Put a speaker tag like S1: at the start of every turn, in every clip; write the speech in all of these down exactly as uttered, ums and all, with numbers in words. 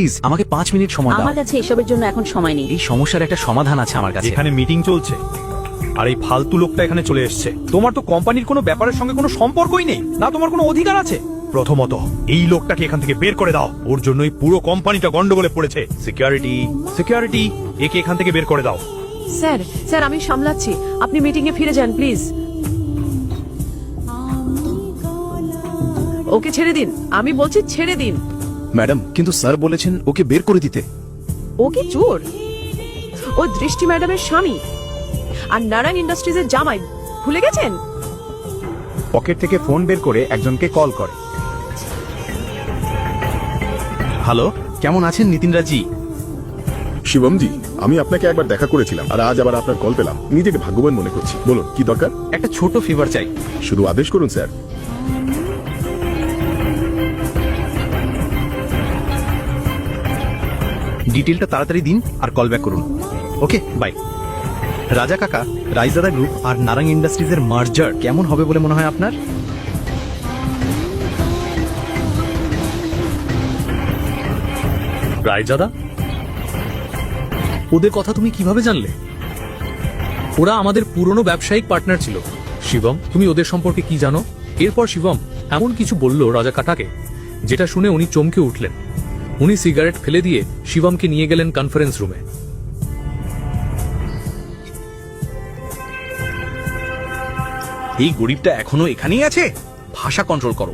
S1: Please আমাকে পাঁচ minute সময় দাও।
S2: আমার কাছে এসবের জন্য এখন সময় নেই।
S1: এই সমস্যার একটা সমাধান আছে আমার কাছে।
S3: এখানে মিটিং চলছে আর এই ফালতু লোকটা এখানে চলে এসেছে। তোমার তো কোম্পানির কোনো ব্যাপারের সঙ্গে কোনো সম্পর্কই নেই, না তোমার কোনো অধিকার আছে। প্রথমত এই লোকটাকে এখান থেকে বের করে দাও, ওর জন্যই পুরো কোম্পানিটা গন্ডগোলে পড়েছে। সিকিউরিটি সিকিউরিটি একে এখান থেকে বের করে দাও।
S4: স্যার স্যার আমি সামলাচ্ছি, আপনি মিটিং এ ফিরে যান প্লিজ। ওকে ছেড়ে দিন, আমি বলছি ছেড়ে দিন।
S5: ম্যাডাম কিন্তু স্যার বলেছেন ওকে বের করে দিতে।
S4: ও কি চোর? ও দৃষ্টি ম্যাডামের স্বামী আর নারায়ণ ইন্ডাস্ট্রিজের জামাই, ভুলে গেছেন?
S6: পকেট থেকে ফোন বের করে একজনকে কল করে।
S1: হ্যালো, কেমন আছেন নিতিনরা জি?
S7: শিবমজি, আমি আপনাকে একবার দেখা করেছিলাম আর আজ আবার আপনার কল পেলাম। নিজেকে ভাগ্যবান মনে করছি। বলুন কি দরকার?
S1: একটা ছোট ফেভার চাই।
S7: শুধু আদেশ করুন স্যার।
S1: ডিটেলটা তাড়াতাড়ি দিন আর কল ব্যাক করুন। Okay bye. রাজা কাকা, রাইজাদা গ্রুপ আর নারাং ইন্ডাস্ট্রিজের মার্জার কেমন হবে বলে মনে হয় আপনার?
S8: রায়জাদা, ওদের কথা তুমি কিভাবে জানলে? ওরা আমাদের পুরনো ব্যবসায়িক পার্টনার ছিল। শিবম, তুমি ওদের সম্পর্কে কি জানো? এরপর শিবম এমন কিছু বলল রাজা কাকাকে, যেটা শুনে উনি চমকে উঠলেন। উনি সিগারেট ফেলে দিয়ে শিবমকে নিয়ে গেলেন কনফারেন্স রুমে।
S1: এই গরিবটা এখনো এখানেই আছে? ভাষা কন্ট্রোল করো।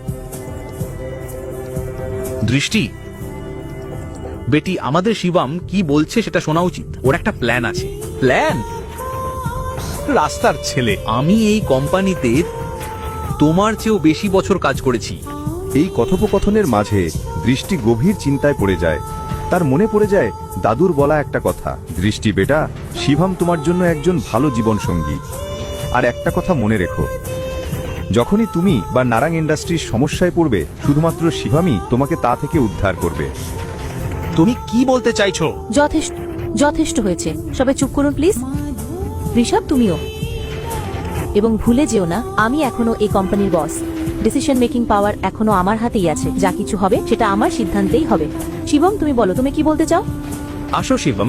S1: দৃষ্টি বেটি, আমাদের শিবম কি বলছে সেটা শোনা উচিত। ওর একটা প্ল্যান আছে। প্ল্যান? রাস্তার ছেলে। আমি এই কোম্পানিতে তোমার চেয়েও বেশি বছর কাজ করেছি।
S6: এই কথোপকথনের মাঝে দৃষ্টি গভীর চিন্তায় পড়ে যায়। তার মনে পড়ে যায় দাদুর বলা একটা কথা, দৃষ্টি বেটা, শিবম তোমার জন্য একজন ভালো জীবন সঙ্গী। আর একটা কথা মনে রেখো, যখনই তুমি বা নারাং ইন্ডাস্ট্রির সমস্যায় পড়বে, শুধুমাত্র শিবমই তোমাকে তা থেকে উদ্ধার করবে।
S1: তুমি কি বলতে চাইছো?
S2: যথেষ্ট যথেষ্ট হয়েছে, সবাই চুপ করুন প্লিজ। ঋষভ তুমিও। এবং ভুলে যেও না, আমি এখনো এই কোম্পানির বস। ডিসিশন মেকিং পাওয়ার এখনো আমার হাতেই আছে। যা কিছু হবে সেটা আমার সিদ্ধান্তেই হবে। শিবম তুমি বলো, তুমি কি বলতে চাও?
S1: আসো শিবম,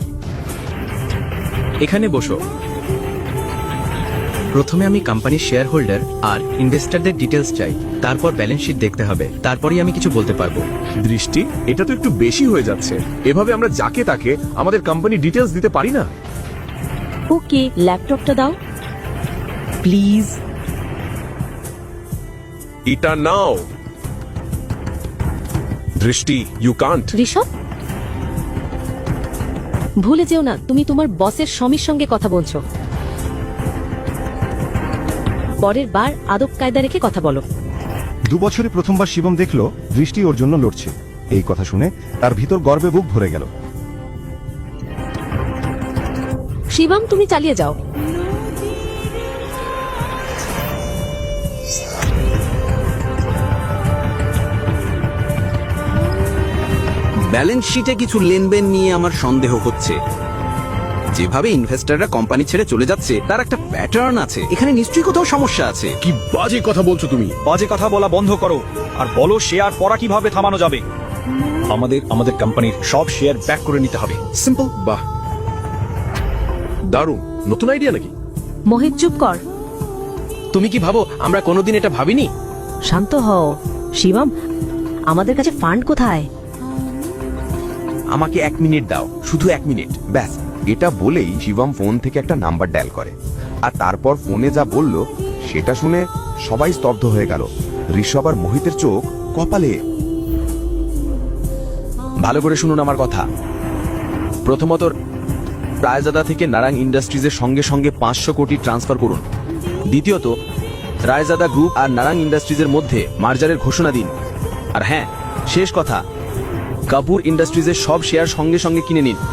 S1: এখানে বসো। প্রথমে আমি কোম্পানির শেয়ার হোল্ডার আর ইনভেস্টরদের ডিটেলস চাই। তারপর ব্যালেন্স শিট দেখতে হবে, তারপরেই আমি কিছু বলতে পারবো।
S7: দৃষ্টি, এটা তো একটু বেশি হয়ে যাচ্ছে। এভাবে আমরা যাকে তাকে আমাদের কোম্পানি ডিটেলস দিতে পারি না।
S2: ওকে, ল্যাপটপটা দাও প্লিজ।
S7: এটা নাও। দৃষ্টি, ইউ কান্ট।
S2: ঋষভ ভুলে যেও না, তুমি তোমার বসের স্বামীর সঙ্গে কথা বলছো। পরের বার আদব কায়দা রেখে কথা বলো।
S6: দু বছরে প্রথমবার শিবম দেখলো দৃষ্টি ওর জন্য লড়ছে। এই কথা শুনে তার ভিতর গর্বে বুক ভরে গেল।
S2: শিবম তুমি চালিয়ে যাও।
S9: ব্যালেন্স শিটে কিছু লেনদেন নিয়ে আমার সন্দেহ হচ্ছে। যেভাবে ইনভেস্টররা কোম্পানি ছেড়ে চলে যাচ্ছে তার একটা প্যাটার্ন আছে। এখানে নিশ্চয়ই কোথাও সমস্যা আছে।
S7: কি বাজে কথা বলছো তুমি?
S3: বাজে কথা বলা বন্ধ করো আর বলো শেয়ার পড়া কিভাবে থামানো যাবে। আমাদের আমাদের কোম্পানির সব শেয়ার ব্যাক করে নিতে হবে।
S7: সিম্পল। বাহ, দারুণ। নতুন আইডিয়া নাকি?
S2: মোহিত চুপ কর।
S9: তুমি কি ভাবো আমরা কোনোদিন এটা ভাবিনি?
S2: শান্ত হও। শিবম, আমাদের কাছে ফান্ড কোথায়?
S9: আমাকে এক মিনিট দাও, শুধু এক মিনিট ব্যাস।
S10: এটা বলেই শিবম ফোন থেকে একটা নাম্বার ডায়াল করে, আর তারপর ফোনে যা বলল সেটা শুনে সবাই স্তব্ধ হয়ে গেল। ঋষভ আর মোহিতের চোখ কপালে।
S9: ভালো করে শুনুন আমার কথা। প্রথমত, রায়জাদা থেকে নারাং ইন্ডাস্ট্রিজের সঙ্গে সঙ্গে পাঁচশো কোটি ট্রান্সফার করুন। দ্বিতীয়ত, রায়জাদা গ্রুপ আর নারাং ইন্ডাস্ট্রিজের মধ্যে মার্জারের ঘোষণা দিন। আর হ্যাঁ, শেষ কথা, কাপুর ইন্ডাস্ট্রিজের সব শেয়ার সঙ্গে সঙ্গে কিনে নিন।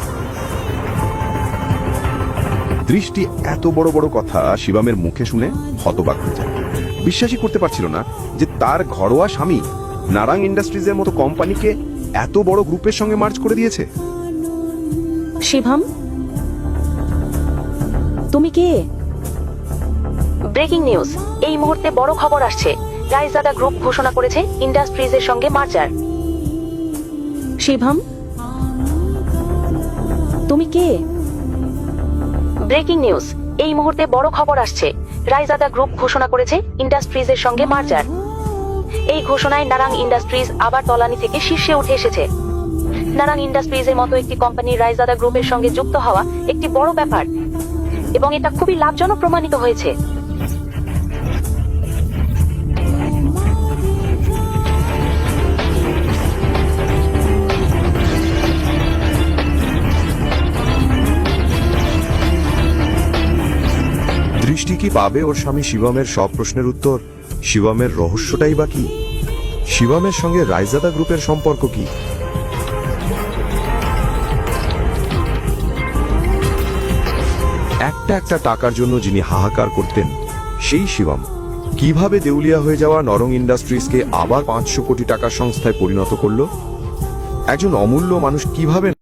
S10: দৃষ্টি এত বড় বড় কথা শিবমের মুখে শুনে হতবাক হয়ে যায়। বিশ্বাসই করতে পারছিল না যে তার ঘরোয়া স্বামী নারাং ইন্ডাস্ট্রিজের মতো কোম্পানিকে এত বড় গ্রুপের সঙ্গে মার্জ করে দিয়েছে।
S2: শিবম তুমি কে? ব্রেকিং নিউজ, এই মুহূর্তে বড় খবর আসছে। রায়জাদা গ্রুপ ঘোষণা করেছে ইন্ডাস্ট্রিজের সঙ্গে মার্জার। শিবম, তুমি কে? ব্রেকিং নিউজ, এই মুহূর্তে বড় খবর আসছে। রায়জাদা গ্রুপ ঘোষণা করেছে ইন্ডাস্ট্রিজের সঙ্গে মার্জার। এই ঘোষণায় নারাং ইন্ডাস্ট্রিজ আবার তলানি থেকে শীর্ষে উঠে এসেছে। নারাং ইন্ডাস্ট্রিজের মতো একটি কোম্পানি রায়জাদা গ্রুপের সঙ্গে যুক্ত হওয়া একটি বড় ব্যাপার, এবং এটা খুবই লাভজনক প্রমাণিত হয়েছে।
S10: দৃষ্টি কি পাবে ওর স্বামী শিবমের সব প্রশ্নের উত্তর? শিবমের রহস্যটাই বা কি? শিবমের সঙ্গে রায়জাদা গ্রুপের সম্পর্ক কি? একটা একটা টাকার জন্য যিনি হাহাকার করতেন, সেই শিবম কিভাবে দেউলিয়া হয়ে যাওয়া নরং ইন্ডাস্ট্রিজকে আবার পাঁচশো কোটি টাকার সংস্থায় পরিণত করলো? একজন অমূল্য মানুষ কিভাবে